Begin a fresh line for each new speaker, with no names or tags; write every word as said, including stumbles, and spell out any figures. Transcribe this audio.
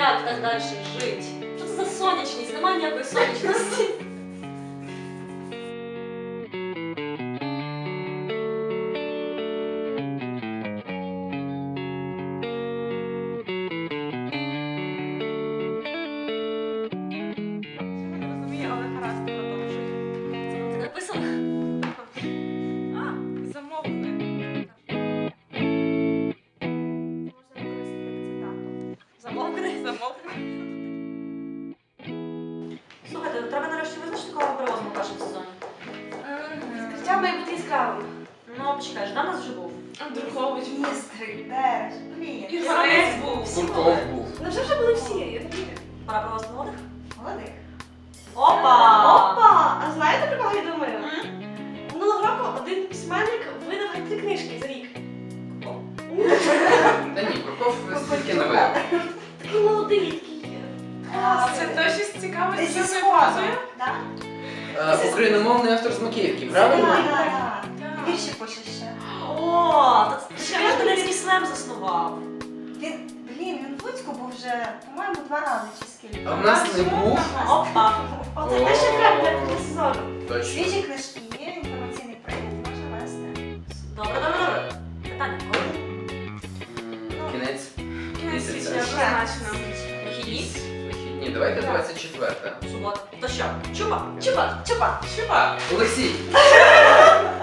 як так далі жити? Що це за сонячність? Немає ніякої сонячності. Замовкни, замовкни. Слухайте, треба нарешті визначити, кого ми привозимо в першому сезоні.
Відкриття має бути яскравим.
Ну, почекай, Ждан у нас вже був.
Андрухович,
Містер, де ж? Блін.
Іванець був.
Курков був.
Ну вже вже були всі, я не вірю.
Пора привозити молодих.
Молодих.
Опа!
Опа! А знаєте, про кого я думаю? Минулого року один письменник видав геть три книжки за рік.
Та ні, Курков стільки не видав.
Такий молодий, такий.
Це
точно з цікавості,
Зі сходу, так?
Е, Україномовний автор з Макіївки, правильно?
Так, так. Вірші пише ще.
О, та це ж Хмельницький слем заснував.
Він, блін, він в Луцьку був вже, по-моєму, два рази чи скільки.
А в нас не був.
Опа!
Оце те, що треба для для сезону.
Точно.
Свіжі книжки є, інформаційний привід можна вести.
Добре, добре, добре. Питання, коли?
М, Кінець.
Кінець
Місяця.
січня, однозначно.
Вихідні?
Вихідні. Давайте двадцять четверте.
Субота. То що? Чупа?
Чупа, чупа.
Олексій!